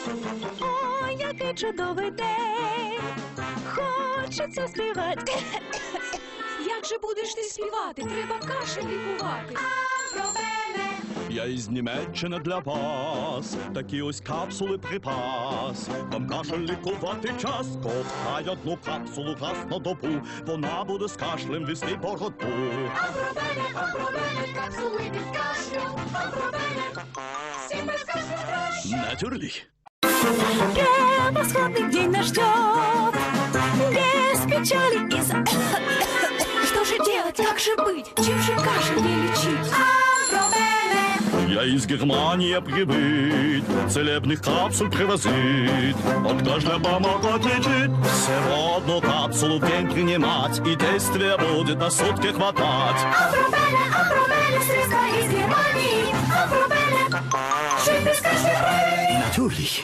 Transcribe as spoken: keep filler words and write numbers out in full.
Ой, який чудовий день, хочеться співати. Як же будеш ти співати? Треба кашель лікувати. Я із Німеччини для вас, такі ось капсули припас. Вам кашель лікувати час, ковтай одну капсулу раз на добу, вона буде з кашлем вести боротьбу. Апробене, апробене, капсули від кашлю. Апробене, всім без кашлю краще. Натюрлі. Превосходный день нас ждет, без печали и за... Что же делать? Как же быть? Чем же кашель не лечить? Я из Германии прибыть, целебных капсул привозить. От кашля помогут лечить, всего одну капсулу в день принимать, и действие будет на сутки хватать. Апробене, апробене, средства из Германии. Апробене, жить без кашля. Натюрлі.